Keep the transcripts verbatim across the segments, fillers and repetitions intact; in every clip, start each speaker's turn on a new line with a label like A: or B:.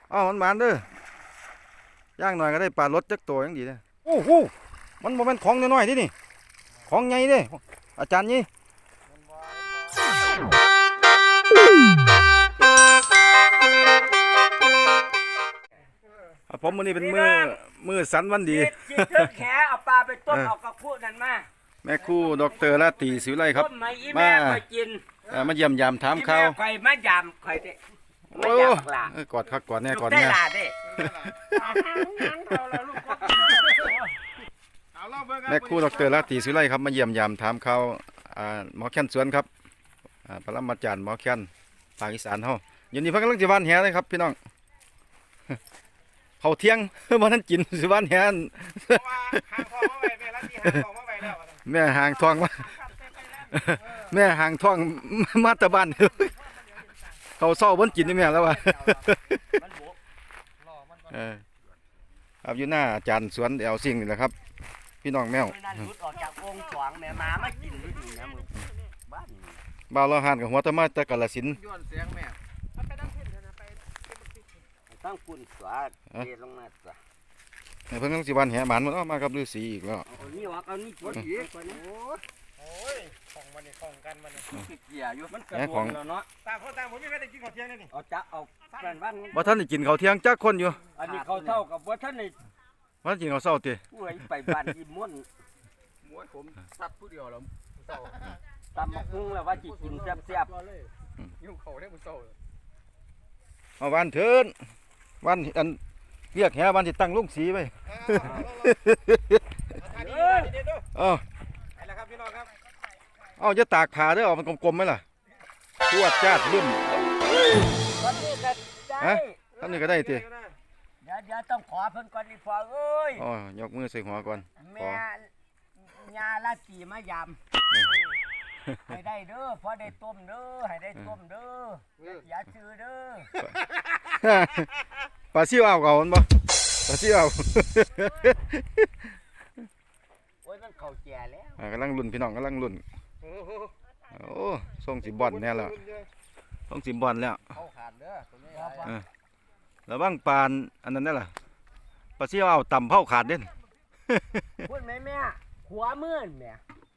A: อ้าวมันหมานเด้อย่างหน่อยก็ได้ปลารสจักตัวยังดีเลยโอ้โหมันบ่แม่นของน้อยๆที่นี่ของใหญ่เด้อาจารย์นี่ผมมื้อนี้เป็นมือมือสันวันดี
B: จิตเทิงแขเอาปลาไปต้มเอากระพุ้นั่นมา
A: แม่ครูดอกเตอร์ราตรีศิวิไลครับ
B: มากิน
A: มาเยี่ยมยามถามข่าว
B: ข่อยมายามข่อยเด้
A: โอ้กอดคักกอดแน่กอดแน่แม่ครูดอกเตอร์ราตรีศิวิไลครับมาเยี่ยมยามถามข่าวหมอแค้นสวนครับปรมาจารย์หมอแค้นภาคอีสานเฮาอยู่นี่เพิ่นกำลังสิวานแหเลยครับพี่น้องเขาเที่ยงบ่ทันกินสิวานแหแม่ห่างทองมาแม่ห่างทองมาตะบ้านเขาเศร้าบนกินนี่แม่แล้วว่ะเออครับอยู่หน้าอาจารย์สวนแอลซิงนี่แหละครับพี่น้องแมวบ่าวเราหันกับหัวตะมาตะกะละสิน
B: ต้องกุนสวดเทลงมาจ้ะ
A: เพิ่งต้องสิวันแห่หมันมันออกมากับฤาษีอีกแล้ว
B: เอานี่วะเอานี่ปวดอีก
C: โอ้ยของมันนี่ของกันมัน
B: นี่เกี่ยอยู่มันกระโดดแล้วเนาะ
C: ต่างคนต่างผมไม่ได้กินข้าวเที่ยงนี่
B: เอาจะเอาแป้นบ้าน
A: บ่ท่านได้กินข้าวเที่ยงจักคนอยู่
B: อันนี้เขาเท่ากับว่าท่านนี่
A: ว่ากินข้าวเช้าติ
B: ป่วยไปบ้านกินม้วน
C: ม้วนผมซัดผู้เดียวแล้วเช้า
B: ตำบักหุ่งแล้วว่าจิกินแซ่บ
C: ๆยุ่งเขาได้มื้อเช้า
A: เอาวันเถินวันอันเรียกแห่วันที่ตั้งลุงสีไว้เออ
C: ไปแล้วครับพี่น้องครับ
A: เอาจะตากผ้าเด้อเอามันกลมๆไหมล่ะจวดจ้าดลุ่มฮะท่านนี้ก็ได้ติ
B: เดี๋ยวเดี๋ยวต้องขอเพิ่นก่อนนี่พอเอ้ย
A: อ๋อยกมือใส่หัวก่อน
B: แม่ยาละตีมายำให้ได้เด้อพอได้ต้มเด้อให้ได้ต้มเด้ออย่าซื้อเด้อ
A: ปลาซิวเอาเก่ามันบ่ปลาซิวเอา
B: โอ้ยมันเข่าแก่แล้ว
A: กำลังลุ่นพี่น้องกำลังลุ่นโอ้ส่งสีบอลแน่แล้วส่งสีบอลแล้ว
C: เขาขาดเด้อตัวนี้
A: แล้วบ้างปานอันนั้นได้ล่ะปลาซิวเอาต่ำเผาขาดเด่น
B: พูดไหมแม่ขวามือแม่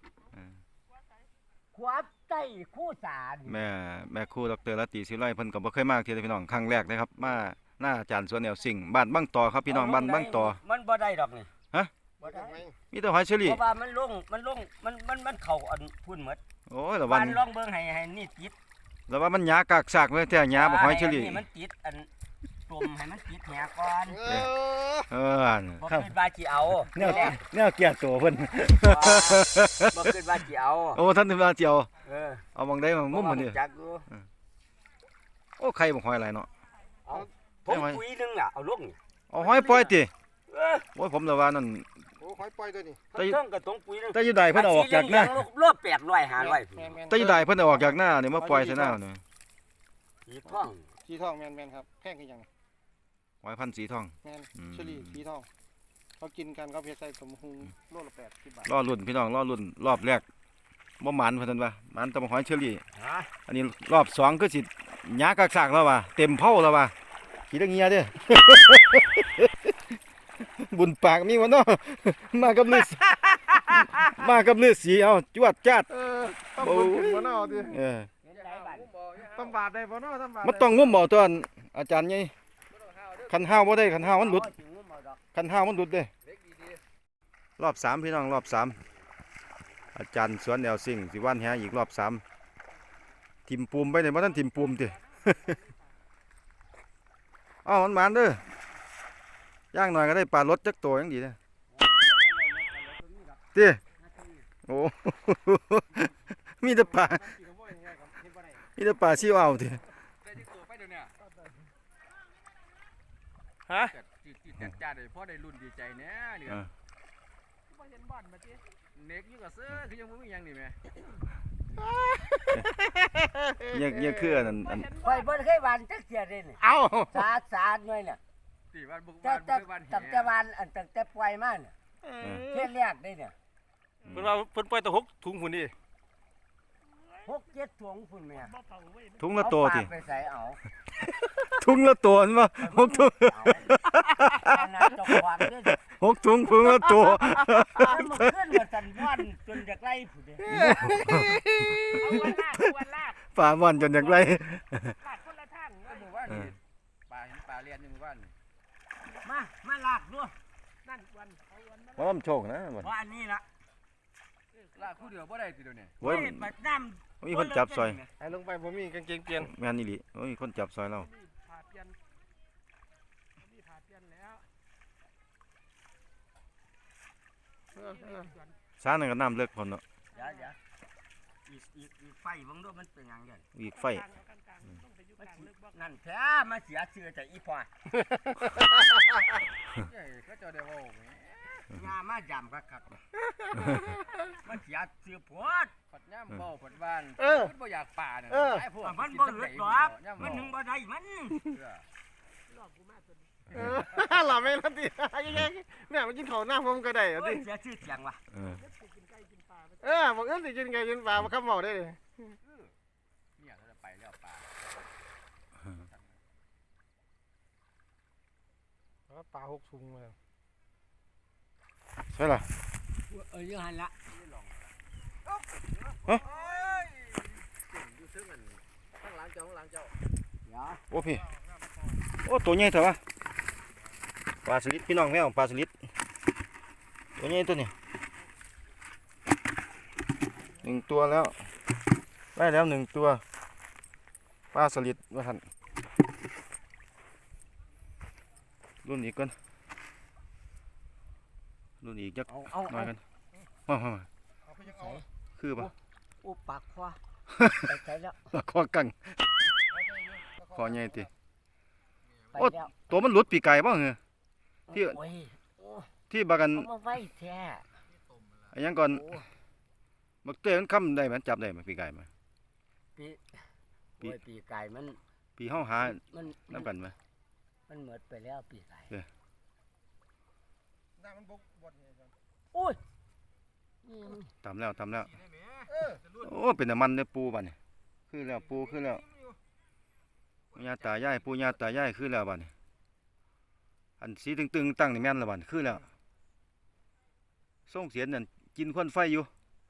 B: ขวาใต้คู่สาร
A: แม่แม่ครูดอกเตอร์ราตรีศิวิไลเพิ่นก็บ่เคยมาที่พี่น้องครั้งแรกเลยครับมาหน้าอาจารย์สวนแนวสิ่งบ้านบ้างต่อครับพี่น้องบ้านบ้างต่อ
B: มันบ่ได้ดอกนี่
A: ฮะมีแต่หอยเชอรี่
B: เพราะว่ามันลงมันลงมันมันมันเข่าอันพุ่นหมด
A: โอ้ยละวัน
B: ลองเบิ่งให้ให้นี่ติด
A: แล้วว่ามันหยากากซากเลยแท้หยาบ่หอยเชอรี่
B: นี่มันติดอันตุ่มให้มันติดแหก่อน
A: เออ
B: บ่คิดว่าสิเอา
A: แนวแนวเกียร์ตัวเพิ่น
B: บ่คิดว่าสิเอา
A: โอ้ท่านนึกว่าสิเอา
B: เออ
A: เอามองได้มามุมมันนี่โอ้ไข่บ่หอยหลายเนาะ
B: ผมปุยนึงอ่ะเอาลง
A: เอาหอยปล่อยติโอ้ยผมละว่านั่น
C: โอ้หอยปล่อยตัวนี้
B: แต่ต้องกระตงปุยนึง
A: แต่อยู่ใดเพิ่นเอาออกจากหน้
B: ารอบแปดร้อยห้าร้อย
A: แต่อยู่ใดเพิ่นเอาออกจากหน้านี่มาปล่อยใส่หน้านี่
B: สีทอง
C: สีทองแม่นๆครับแพงคือหยัง
A: หอยพันสีทอง
C: แม่นเชอรี่สีทองเขากินกันเขาเฮ็ดใส่สมหุงโลละแปดสิบบาท
A: รอรุ่นพี่น้องรอรุ่นรอบแรกบ่หมานเพิ่นว่าหมานแต่หอยเชอรี่อันนี้รอบสองคือสิหยากากซากแล้วว่ะเต็มเผาแล้วว่ะขี้ตะเงียเด้อบุญปากมีวะเนาะมากับฤาษีมากับฤาษีเอาจวดจัด
C: ต้องบุญขึ้นบ่เนาะติ
A: เออ
C: ต้องบาดได้บ่เนาะต้องบาด
A: มันต้องงุ้มบ่ตัวอาจารย์ใหญ่คันห้าวบ่ได้คันห้าวมันหลุดคันห้าวมันหลุดเด้รอบสามพี่น้องรอบสามอาจารย์สวนแนวสิ่งสิวันแหอีกรอบสามทิมปูมไปไหนบ่ทันทิมปูมติอ้าวมันหมานเด้อย่างหน่อยก็ได้ปลารสจักตัวยังดีนะติโอ้มีแต่ปลามีแต่ปลาซิวเอาติ
C: ฮะจัดจ้าได้พอได้รุ่นดีใจแน่เนี่ยบ่เห็นบ่อนมาติเน็กอยู่กับเสื้อคือยังบ่มีหยังนี่แม่
A: ยังยังคืออันอัน
B: ข่อยบ่เคยหวานจักเที่ยเด้นี่
C: เอ้า
B: สาสาหน่อยน่ะ
C: สิวันบ่วันบ่วัน
B: ตั้งแต่วันอันตั้งแต่ปล่อยมาน่ะเที่ยแรกได้เนี่ย
C: เพิ่นว่าเพิ่นปล่อยตะหกถุงพุ่นนี่
B: หกเจ็ดถุงพุ่นแม่
A: ถุงละตัวติ
B: ไปใส่เอา
A: ถุงละตัวนั่นบ่หกถุง
B: อันนั้นเจ้าของเด้อ
A: หกถุงถุงละตัว
B: แล้วมันขึ้นมาสั่นว่อนจนจากไล่ผู้เดียวเอาวันลากเอาวันลาก
A: ป่าม่อนจนอยากไล่
B: ลากคนละทาง
C: ก็หมู่บ้านนี่ปลาเห็นปลาเลียนอยู่หมู่บ้านนี่
B: มามาลากด้วยนั่นวันเอาวันมา
A: บ่มันโชคนะบ่
B: ว่าอันนี้ละ
C: ลากคู่เดียวบ่ได้ติเดี๋ยวนี้
A: โอ้ย
B: บัดน้ำ
A: มีคนจับซอย
D: ไอ้ลงไปผมมีกางเกงเปลี่ยน
A: แม่นอีหลีโอ้ยมีคนจับซอยเรา
B: ผ่าเปลี่ยนนี่ผ่าเปลี่ยนแล้ว
D: เออเออ
A: สานั่นก็น้ำเลิกพร้อมเนาะ
B: เดี๋ยวเดี๋ยวอีกอีกอีกไฟเบังด้วยมันเป็นหยังไง
A: อีกไฟ
B: นั่นแท้มาเสียเชื่อจากอีพอ
C: เอ้ยเขาเจ้าได้เว้าแหม
B: ยามาจำกักกักมันเสียเชื่อพวด
C: ปัดย่ำเว้าปัดบ้าน
D: เออ
C: มันบ่อยากป่าน่ะ
D: เออ
C: หลายพวก
B: มันบ่เหลือดอก
C: ย่ำ
B: มัน
C: เว้า
B: หนึ่งบ่ได้มัน
C: เออ
D: เออหลับไม่รับดิยังไงเนี่ยมันกินข้าวหน้าผมก็ได้เหรอ
B: โอ้
D: ดิ
B: ยเสียชื่อเสียงว่ะ
A: เออ
D: เออบอกเอ้ยสิกินไงกินปลามาข้ามเมาได้เลย
C: เนี่ยเราจะไปแล้วป่า
D: ปลาหกถุงมา
A: ใช่ล่ะ
B: เออยังหันละ
C: โอ้ยเก่งอยู่ซึ่งมันข้างหลังเจ้าข้างหลังเจ้า
B: เดี๋ยว
A: โอ้พี่โอ้ตัวใหญ่เถอะวะปลาสลิดพี่น้องแม่ของปลาสลิดตัวใหญ่ตัวนี้หนึ่งตัวแล้วได้แล้วหนึ่งตัวปลาสลิดว่าท่านรุ่นอีกก่อนรุ่นอีกจัก
B: เอาเอา
A: หน่อ
B: เอา
A: ยกันมามามา
B: ใส่
A: คือปะ
B: อุปากคว้าไปใส่แล้ว
A: คอกังคอใหญ่ติ
B: ไปแล้ว
A: ตัวมันหลุดปีกไก่บ้างเหรอ ที่
B: โอ้ยโอ้
A: ที่บากัน
B: เอามาไว้แท้
A: อันยังก่อน
B: โอ้
A: บักเต้มันค้ำได้ไหมจับได้ไหมปีกไก่ไหม
B: ปี
A: ปี
B: โอ้ยปีไก่มัน
A: ปีห้าหา
B: มัน
A: น้ำกันไหม
B: มันเหมือดไปแล้วปีไก่
D: น้ำมันบกบดเนี่ย
B: โอ้ยนี่มัน
A: ทำแล้วทำแล้ว
D: เออ
A: โอ้เป็นน้ำมันเนี่ยปูบ้านนี่คือแล้วปูคือแล้วปู่ย่าตายายปูย่าตายายคือแล้วบ้านนี่อันสีตึงๆตั้งนี่แม่นแล้วบ้านคือแล้วส่งเสียงนั่นกินควันไฟอยู่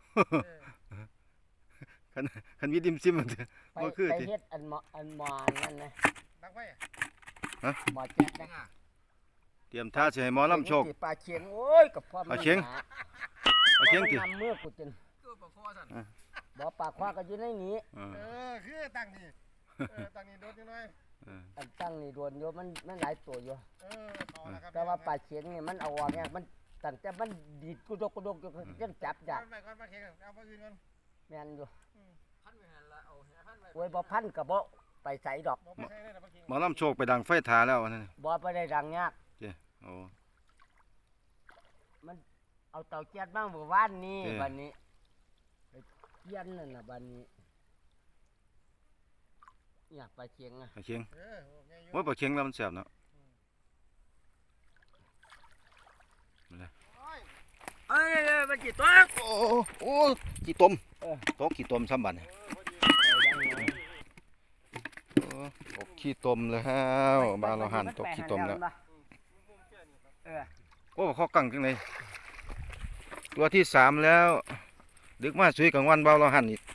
A: คันคันวิดิมซิมมันเถอะ
B: ไป
A: บ่คือ
B: ไป
A: ติ
B: เฮ็ดอันหมออันหมอนั่นนะ
D: ดังไฟ
B: หมอแจ๊กนะ
A: เตรียมท่าสิให้หมอลำโชค
B: ปลาเชียงโอ้ยกับพ่อมัน
A: ปลาเชียง
B: หนา
A: เอาเชียงติ
B: บ่มันนำมือกูจน
C: ตัวปลาคอสั่น
B: บ่ปลาคว้าก็อยู่ในนี้
A: เออ
D: เออคือตั้งนี่เออตั้งนี่โดดนิดหน่อย
A: เออ
B: อันตั้งนี่โดนอยู่มันมันหลายตัวอยู่
D: เออต่อแล้วครับ
B: แต่ว่าปลาเชียงนี่มันเอาออกเนี่ยมันตั้งแต่มันดีดกุดกกุดกอยู่จนจับยาก
D: ไปก่อนปลาเค็งเอาปลาอื่นก่อน
B: แม่นอยู่
C: พันไว้หันละเอาแหพันไว้
B: โอ้ยบ่พันกับบ่ไปใส่ดอก
D: บอกไปใช้ได้แต่ปลาเค็ง
A: หมอลำโชคไปดังไฟทาแล้วนั่น
B: บ่ไปได้ดังยาก
A: โอ้
B: เอาเตาเจียดบ้างเมื่อวานนี้
A: เออ
B: บัดนี้ไปเจียนนั่นน่ะบัดนี้อยากปลาเชียงอ่ะ
A: ปลาเชียง
D: เออโอ้แม่อยู่
A: โอ้ยปลาเชียงแล้วมันแสบเนาะ
B: เอ้ยเอ้ยมันกี่ตัว
A: โอ้โอ้ขี้ต้ม
B: เออ
A: โตขี้ต้มซ้ำบัดนี่โอ้ตกขี้ต้มแล้วบ้านเราหั่นตกขี้ต้มแล้ว
B: เออ
A: โอ้ข้อกังจังเลยตัวที่สามแล้วดึกมาสวยกลางวันบ้านเราหั่นอีก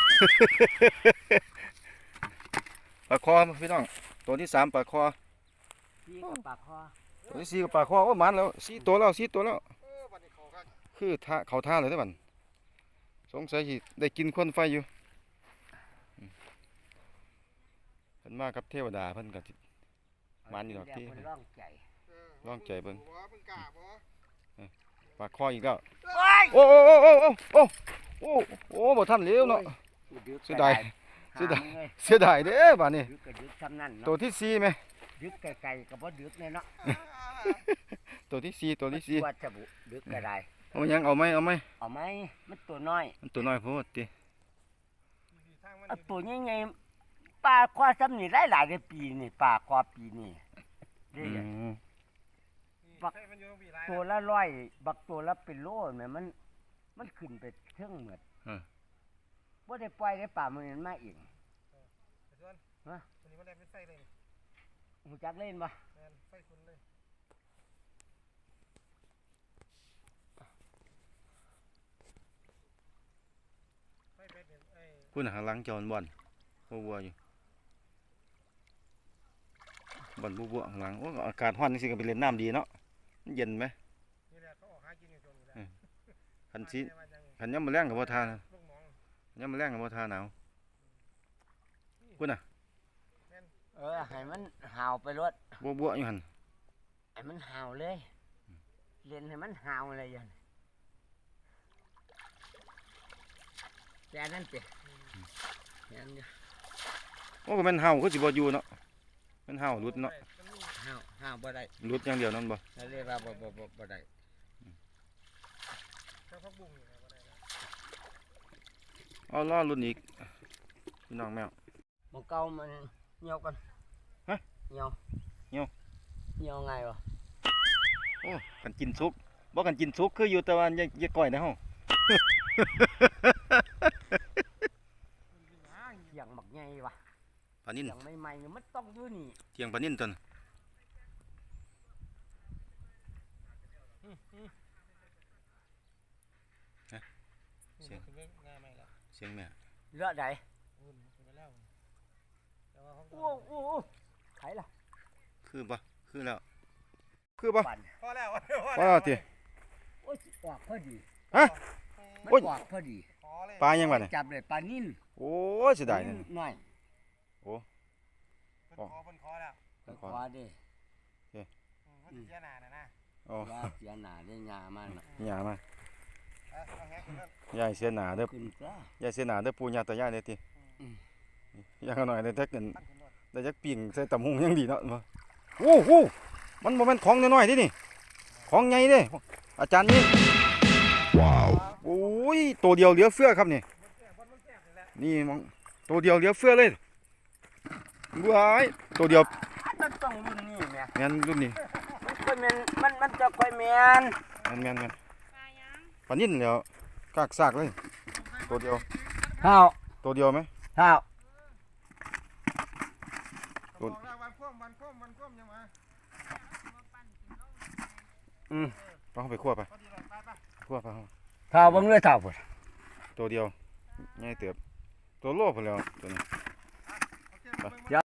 A: ปลาคอพี่น้องตัวที่สามปลาคอ
B: พี่กับปลาคอ
A: ตัวที่สี่ก็ปลาคอโอ้มันแล้วสี่ตัวแล้วสี่ตัวแล้ว
D: เออบัดนี้เขาครับ
A: คือท่าเขาท่าเลยได้อบันสงสัยสิได้กินควันไฟอยู่อืมเพิ่นมากับเทวดาเพิ่นก็สิ มันนี่ดอกที่
B: เพิ่นร้องใจ
D: เออ
A: ลองใจเบิ่ง
D: บ่เพิ่งกล้าบ่
A: ปลาคออีกแล้ว
B: โอ้ย
A: โอ้โอ้โอ้โอ้โอ้โอ้โอ้บ่ทันเร็วเนาะ เสียดาย เสียดาย เสียดายเด้อบัดนี้
B: ดึกก็ดึกซ้ำนั่น
A: ตัว
B: เนาะ
A: ที่สี่ไหม
B: ดึกไกลๆก็บ่ดึกแน่เนาะ
A: ตัวที่สี่ตัวที่สี่
B: วัดสบุดึกก็ได้
A: เอายังเอาไหมเอาไหม
B: เอาไหมมันตัวน้อย
A: มันตัวน้อยโพดติ
D: ทางมัน
B: เอาตัวใหญ่ๆปลาคอซ้ำนี่หลายๆในปีนี่ปลาคอปีนี่เด้
A: อื
B: อ
A: ม
D: บักมันอยู่ปีหลาย
B: ตัวละร้อยบักตัวละเป็นโลแม่มัน มันขึ้นไปเทิงเหมือดบ่ได้ปล่อยได้ป่ามันมาเอง
D: ส่วน
B: ฮะ
D: ตัวนี้มันได้เป็นไส้เลย
B: หูจักเล่นปะ
D: แม่นไฟคุณเลยไฟเป็ดเนี่ยไอ้
A: พูดหางหลังจอนบ่อนบัวบัวอยู่บ่อนบัวบัวข้างหลังโอ้อากาศร้อนนี่สิก็ไปเล่นน้ำดีเนาะมันเย็นไหม
D: นี่แหละเขาออกหากินอยู่ตรงนี้แหละ
A: คันสิ
D: ว่ายัง
A: คันย่ำมาแรงกับบ่ทา
D: ลูกหมอง
A: ย่ำมาแรงกับบ่ทาหนาวพูดน่ะ
B: เออให้มันห่าวไปรถ
A: บัวบัวอยู่หั่น
B: ให้มันห่าวเลยเล่นให้มันห่าวเลยยันแค่นั้นเจ้แค่นั้นเจ้
A: โอ้ก็แม่นเห่าคือสิบ่อยู่เนาะแม่นเห่าหลุดเนาะ
B: ห่าวห่าวบ่ได้
A: หลุดอย่างเดียวนั่นบ่
B: เขาเรียกว่าบ่บ่บ่บ่ได้
D: เจ้าพักบุ้งนี่นะบ่ได้นะ
A: เอาล่อรุ่นอีกพี่น้องแมว
B: หมันเก่ามันเหี่ยวกัน
A: ฮะ
B: เหี่ยว
A: เหี่ยว
B: เหี่ยวไงวะ
A: โอ้กันกินสุกบ่กันกินสุกคืออยู่แต่ว่าอย่าอย่าก่อยนะเฮา
B: เสียงหมักใหญ่วะ
A: ปลานิ่น
B: เสียงใหม่ๆเนี่ยมันต้องอยู่นี่
A: เทียงปลานิ่นตัวน่ะ
D: เสียงขึ้นไปง่ายไหมล่ะ
A: เสียงแม่
B: เลือดใด
D: อุ่นขึ้นไปแล้วแต่ว่าเขา
B: โอ้โอ้โอ้ไผล่ะ
A: คือบ่คือแล้วคือบ่
B: ปั่น
D: พอแล้ว
A: พอติ
B: โอ้ยออกพอดี
A: ฮะ
B: มัน
A: โอ้ย
B: ออกพอดี
D: พอเลย
A: ปลายังวะเนี่ย
B: จับเลยปลานิ่น
A: โอ้ยเสียดายนี่
B: นิ่หน่อย
D: เพิ่นคอเพิ่นคอแล้ว
B: ไปขวาดิ
D: อืมเพิ่นสิเสียหน้าน่ะนะ
A: โอ้
B: ยาเสียหนาได้ยามันน่ะ
A: ยามา
D: เอาเอาแฮกขึ้นนั่น
A: ยายเสียหน้าเด้อ
B: ขึ้นซะ
A: ยายเสียหน้าเด้อปู่ย่าตายายเด้อติ
B: อืม
A: อย่างน้อยได้จักกัน
D: ตั้งขึ้นรถ
A: ได้จักปิ่งใส่ตำหุงยังดีเนาะบ่โอ้โหมันบ่แม่นของน้อยๆเดินี่ของใหญ่เด้อาจารย์นี่ว้าวโอ้ยตัวเดียวเหลือเฟือครับนี่
D: บนมันแซ่บนี่แหละ
A: นี่มองตัวเดียวเหลือเฟือเลยว้ายตัวเดียว
B: มันต้องรุ่นนี้แม่
A: แม่นรุ่นนี้
B: มันค่อยแม่นมันมันจะค่อยแม่น
A: แม่นแม่นแม่นปลานิ่นแล้วกากซากเลยตัวเดียว
B: ข้าว
A: ตัวเดียวไหม
B: ข้าว
D: ก็บอกแล้ววันคว่ำวันคว่ำวันคว่ำยังมา
B: อืม
A: เอาไปคั่วไป
D: พอดีเลยไปไป
A: คั่วไปเอา
B: ข้าวเบิ่งเลยข้าวพุ่น
A: ตัวเดียวง่ายเติบตัวโลพอแล้วตัวนี้
D: โอเคมาเบิ่ง